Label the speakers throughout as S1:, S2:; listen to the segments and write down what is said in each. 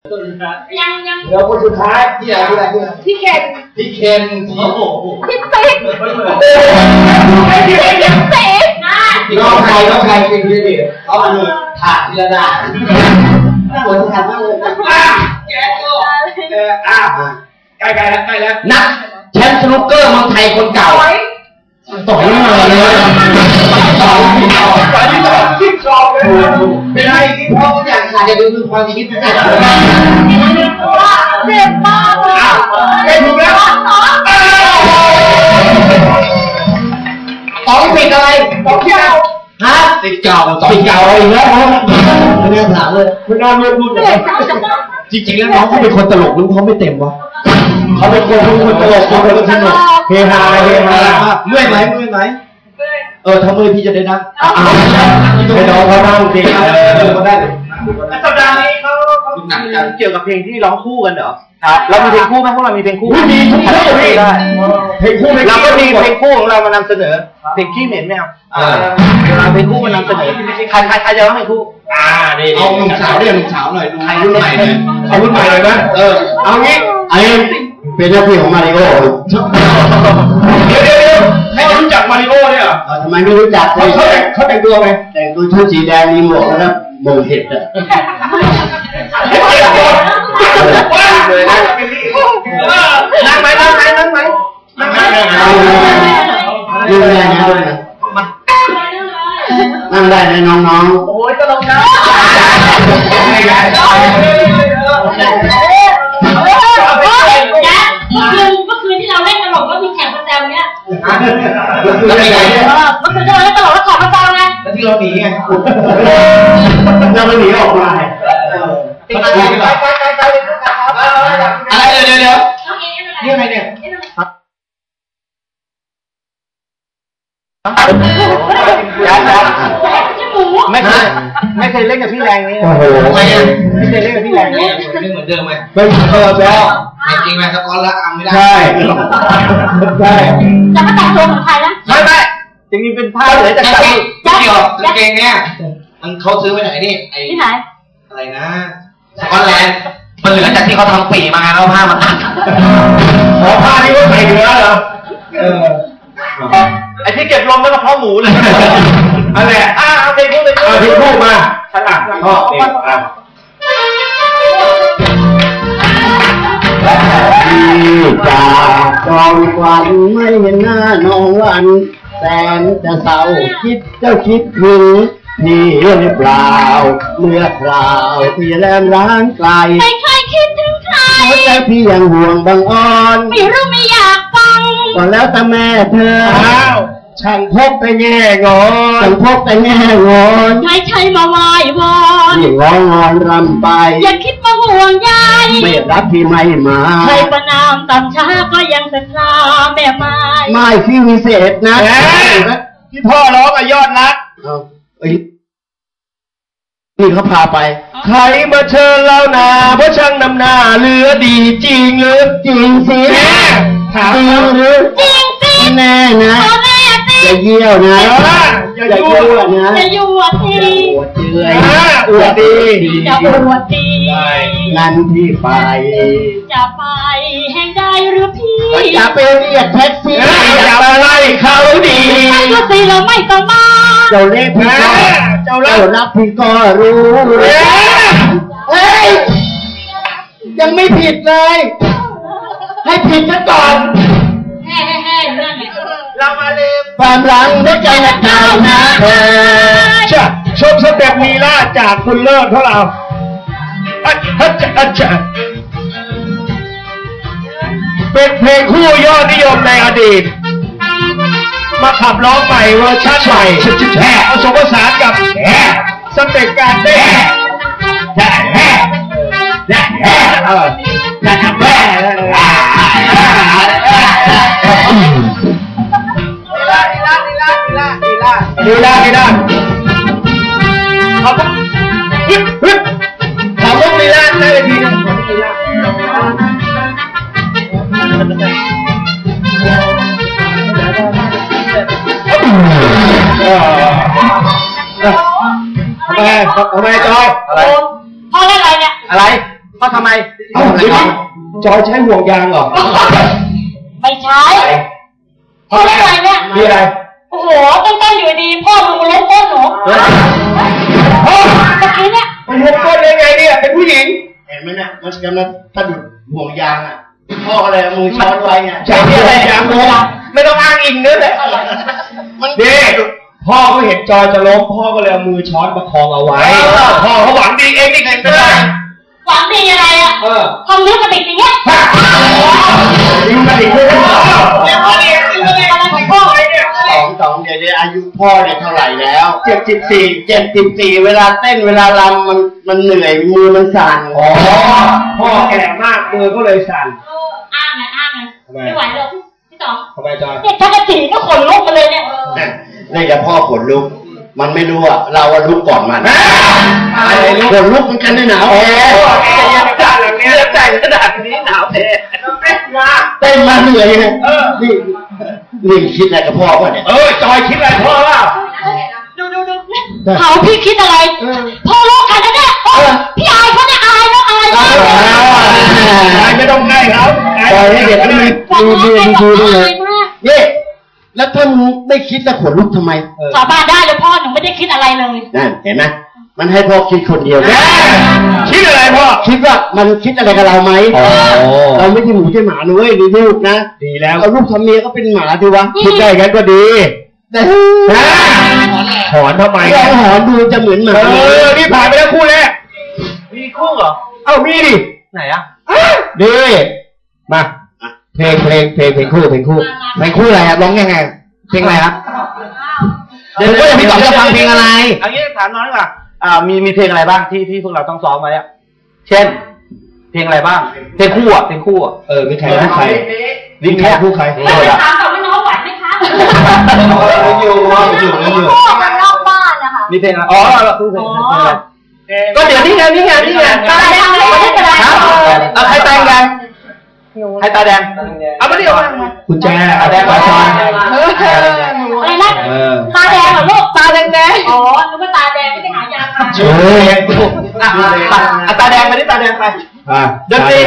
S1: ยังเดี๋ยวคนสุดท้ายที่อะไรพี่เคนโอ้โหพี่ติ๊กน้องใครจริงดิเขามาเลยถ่ายทีละด้านหัวขาดมากเลยแกก็ใกล้แล้วนักแชมป์สนุกเกอร์เมืองไทยคนเก่าต่อยมาเลยคิดชอบเลยเป็นไรที่พ่อทุกอย่างขาดจะดูคือความคิดนะเจ็บมากเลยถูกแล้วต้องปิดอะไรต้องเที่ยวฮะติดเก่าอีกแล้วไม่ได้ถามเลยไม่น่าเลือกรุ่นเลยจริงๆแล้วน้องเขาเป็นคนตลกหรือเขาไม่เต็มวะเขาเป็นคนตลกคนสนุกเฮฮาเมื่อยไหมถ้าเมื่อยพี่จะได้นั่งให้น้องเขานั่งจริงเขาได้สัปดาห์นี้เขาเกี่ยวกับเพลงที่ร้องคู่กันเหรอครับเรามีเพลงคู่ไหมพวกเรามีเพลงคู่มีทุกคู่ได้เพลงคู่เราก็มีเพลงคู่ของเรามานำเสนอเพลงขี้เหม็นไม่เอาเราเพลงคู่มานำเสนอใครจะร้องเพลงคู่นี่เอาหนุ่มสาวหน่อยดูรุ่นใหม่หน่อยเอารุ่นใหม่เลยนะเอางี้ไอ้เป็นหน้าที่ของมาริโอเดี๋ยวให้รู้จักมาริโอเนี่ยทำไมไม่รู้จักเขาแต่งตัวไงแต่งตัวชุดสีแดงมีหมวกแล้วมงเห็ดอ่ะนั่งไหมนั่งได้นะน้องๆโอ้ยตลกนะเมื่อคืนที่เราเล่นตลกก็มีแขกประจำเนี่ยเมื่อคืนเราเล่นตลกแล้วแขกประจำไงแล้วที่เราหนีไงเราไม่หนีออกมาอะไรเดี๋ยวนี่อะไรเนี่ยไม่เคยเล่นกับพี่แรงนี่โอ้โหไม่เคยเล่นกับพี่แรงนี่ไม่เหมือนเดิมไหมไม่แล้วจริงไหมสกอตแล้วไม่ได้ใช่จะมาแต่งตัวเหมือนใครนะไม่จริงๆเป็นผ้าเหลือจากเกี่ยวกางเกงเนี่ยเขาซื้อไว้ไหนนี่ที่ไหนอะไรนะสกอตแลนด์มันเหลือจากที่เขาทำปีมาแล้วผ้ามันตัดผ้าที่เขาใส่เหลือเหรอไอ้ที่เก็บลมแล้วก็เพาะหมูเลยอะไรเอาเพลงคู่มาฉลาดพ่อจากกองควันไม่เห็นหน้าน้องวันแสนจะเศร้าคิดถึงนี่หรือเปล่าเมื่อคราวที่แลมร้างไกลไม่เคยคิดถึงใครแต่พี่ยังห่วงบางอ่อนไม่รู้ไม่อยากฟังก็แล้วแต่แม่เธอช่างพกแต่แง่งอนไม่ใช่มาไหว้วอนนี่ร้องงอนรำไปอย่าคิดมาห่วงใยไม่รักที่ไม่มาใครประนามต่ำช้าก็ยังศรัทธาแม่ไม่ที่วิเศษนะที่พ่อร้องยอดนักนี่เขาพาไปใครมาเชิญเรานาเพราะช่างนำหน้าเหลือดีจริงหรือจริงสิถามหรือจริงสิแน่นะอย่าเยี่ยวนะอย่ายั่วนะอย่ายั่วทีอวดดีจะอวดดีงั้นพี่ไปจะไปแห่งใดหรือพี่อย่าไปเรียกแท็กซี่อย่าไปไล่เขาดีก็สิเราไม่ต้องมาเจ้าเล่พี่ก็เจ้ารับพี่ก็รู้เฮ้ยยังไม่ผิดเลยให้ผิดซะก่อนเรามาลืมความหลังหัวใจนักข่าวนะชมสเต็ปลีลาจากคุณเลิศของเราเป็นเพลงคู่ยอดนิยมในอดีตมาขับร้องใหม่เวอร์ชันใหม่ผสมผสานกับสเต็ปการเต้นลีลาเขาต้องลีลาได้เลยทีนะทำไมจอยอะไรพ่อเล่นอะไรเนี่ยอะไร พ
S2: เขาทำไม
S1: จอยใช้ห่วงยางเหรอ
S3: ไม่ใช่เขาเรียกอะไรเนี่ย
S1: มีอะไร
S3: โอ้โหต้นอยู่ดีพ่อมึงมาล้มต้นหนูเมื่อกี้เนี่ย
S1: มันล้มต้นได้ไงเนี่ยเป็นผู้หญิง
S4: เห็นไหมเนี่ยมันกำลังสะดุดห่วงยางอ่ะพ่ออะไรมือช้อนไว้เนี่ย
S1: ใช่อะไรยางล้มไม่ต้องอ้างอิงnữaเลยมันเด็กพ่อก็เห็นจอยจะล้มพ่อก็เลยเอามือช้อนประคองเอาไว้พ่อเขาหวังดีเองนี่ไงไม่ได้
S3: หวังดีอะไรอ่ะทำเรื่องกระดิกอย่างเงี้ย
S1: ยิ้มกระดิกด้วยยิ้มกระดิกอะไรของพ่อไอ้เนี่ย
S4: สองเดี๋ยวอายุพ่อเนี่ยเท่าไหร่แล้ว74เวลาเต้นเวลารำมันเหนื่อยมือมันสั่น
S1: พ่อแก่มากมือก็เลยสั่น
S3: อ้างไงไม่ไหวหรอกพี่ต๋อง
S1: ทำไมจอย
S3: เนี่ยถ้ากระดิกก็ขนลุกมาเลยเนี่ย
S4: นี่จะพ่อขนลุกมันไม่รู้อ่ะเราลุกก่อนมันขนลุกมันกันได้หนาว
S1: แต่งขนาดนี้หนาวแท้
S4: เต้นมาเหนื่อยเลยนี่คิดอะไรกับพ่อป่ะเนี่ย
S1: จอยคิดอะไรพ่อล่ะ
S3: ดูเขาพี่คิดอะไรพ่อลูกกันนะเนี่ยพี่อายเขาเนี่ยอายแล้วอาย
S1: ไม่ต้องใกล้ครับ
S4: จอยให้เด็กนี่ดูเลยนี่แล้วถ้ามึงไม่คิดจะขนลุกทำไม
S3: สาบานได้เลยพ่อหนูไม่ได้คิดอะไรเลย
S4: นั่นเห็นไหมมันให้พ่อคิดคนเดียว
S1: คิดอะไรพ่อ
S4: คิดว่ามันคิดอะไรกับเราไหมเราไม่ใช่หมูใช่หมาเลยดีลูกนะ
S1: ดีแล้ว
S4: เอาลูกทำเมียก็เป็นหมาดีวะ
S1: คิดได้กันก็ดีหอนทำไม
S4: หอนดูจะเหมือนหมา
S1: นี่ผ่านไปแล้วคู่แรก
S2: มีคู่เหรอ
S1: มีดิ
S2: ไหนอ่ะ
S1: ดีมาเพลงคู่เพลงคู่อะไรครับร้องยังไงเพลงอะไรครับเดี๋ยวพี่ต่อจะฟังเพลงอะไร
S2: อันนี้ถามน้องดีกว่ามีเพลงอะไรบ้างที่พวกเราต้องซ้อมไว้อะเช่นเพลงอะไรบ้างเพลงคู่อ่ะ
S1: มีใครคู่ใคร
S2: นี่แค่คู่ใคร
S3: ถามต่อไม่น้องไหวไหมคะ
S1: อยู่
S3: พ่อมันนอกบ้านนะคะ
S2: มีเพลงอะไรคู่เพลงอะไร
S1: ก็เดี๋ยวนี่ไง
S3: ตาแดงเลยไม่เป็นไร
S2: ใครตาแดงให้ตาแดงเอาไม่ได้เอา
S1: คุณแจตาแดงปลาชอน
S3: อะไรนะตาแดงเหรอลูกตาแดงอ๋อนึกว่าตาแดงไม่ไปหายา
S2: ตาแดงไปนี่ตาแดงไป
S1: ดนตรี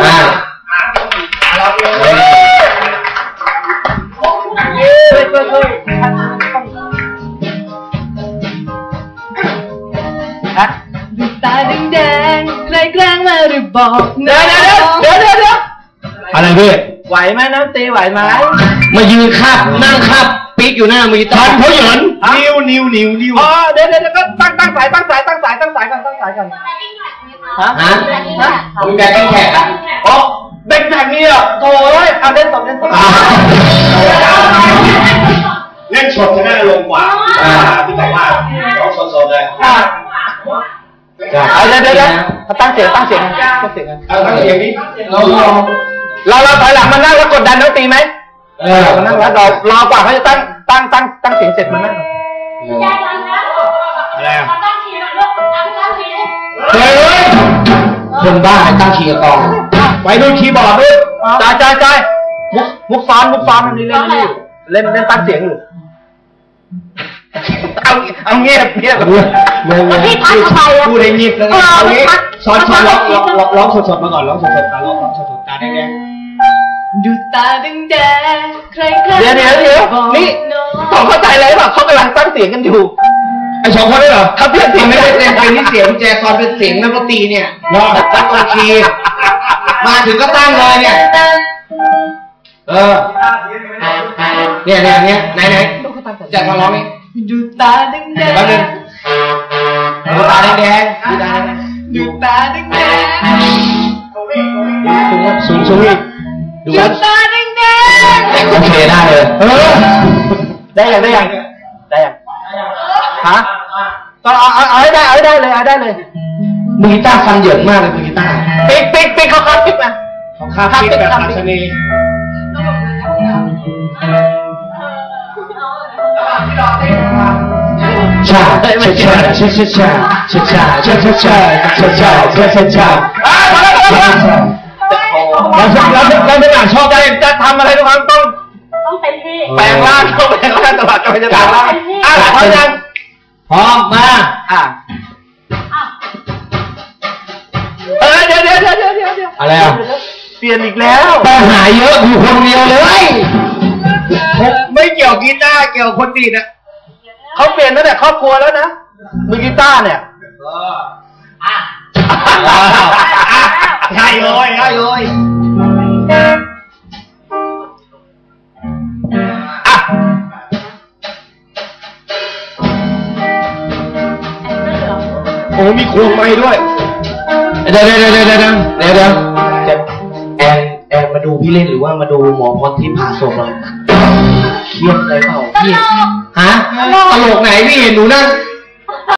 S5: ตาแดงใครแกล้งมาหรือบอก
S2: เดี๋ยว
S1: อะไรพี่
S2: ไหวไหมน้ำตีไหวไหม
S1: มายืนคับนั่งคับปีกอยู่หน้ามือทันเขาหย่อนนิ้วเ
S2: ดี๋ยวก็ตั้งสายก่อน
S1: ฮะมึงแบกแขกอ่ะ
S2: แบกแบบนี้อ่ะโถ่เอาเล่นสด
S4: เล่นสดจะน่าลงกว่าพี่บอกว่าร้องสดเลย
S2: เดี๋ยวตั้งเสียงกัน
S4: นี้
S2: เราถอยหลังมานั่งแล้วกดดันน้องตีไหมมานั่งแล้วรอกว่าเขาจะตั้งเสียงเสร็จมานั่ง
S1: อะไรอ่ะ
S3: ตั้งทีหน่อยลูกตั้งที
S1: คนบ้าตั้งทีกับกองไปดูคีย์บอร์ดด้วย
S2: ใจมุกซ้อนนี่เล่นตั้งเสียงอยู่เอาเงียบ
S3: พี่พักไป
S1: พูดให้เงียบแล้วเอางี้ซ้อนร้องสดมาก่อนร้องสดตาแดง
S5: ดูตาแดงใคร
S2: เดี๋ยวนี่สองเข้าใจเลยป่ะเขากำลังตั้งเสียงกันอยู่
S1: ไอ้สองคนได้เหรอ
S2: ถ้าเพื่อน
S1: ไม่ได้เต็มเป็นนี่เสียงแจซอนเป็นเสียงนักดนตรีเนี่ยตั้งโอเคมาถึงก็ตั้งเลยเนี่ยเนี่ยไหนจะมาร้องนี่
S5: ดูตาแดง
S1: ดูตาแดง
S5: ดูตาแดง
S1: สูงอีก
S5: ดูตาแดง
S1: โอเคได้เลย
S2: ได้ยังฮะก็เอาให้ได้เลย
S1: มือกีตาร์ฟันเหยินมากเลยมือกีตาร์
S2: ปิ๊กเขาคาบปิ๊กนะ
S1: คาบปิ๊กแบบอัศนีชาเราไม่อยากชอบได้
S2: จะทำอะไรทุกครั้งต้อง
S3: เต็มที่
S2: แปลงร่างตลอดกำลังจะแปลงร่างพร้อมยัง
S1: พร้อมมา
S2: เฮ้ย
S1: อะไรอ่ะ
S2: เปลี่ยนอีกแล้ว
S1: ปัญหาเยอะอยู่คนเดียวเลย
S4: ไม่เกี่ยวกีตาร์เกี่ยวคนดีนะ
S2: เขาเปลี่ยนตั้งแต่ครอบครัวแล้วนะมือกีตาร์เนี่ย
S4: ใช่เลยใช่เลย
S1: โอ้มีควงไม้ด้วยเดี๋ยวแอนมาดูพี่เล่นหรือว่ามาดูหมอพรที่ผ่าศพเราเครียดอะไรเปล่าพี่ฮะตลกไหนพี่เห็นหนูนั่ง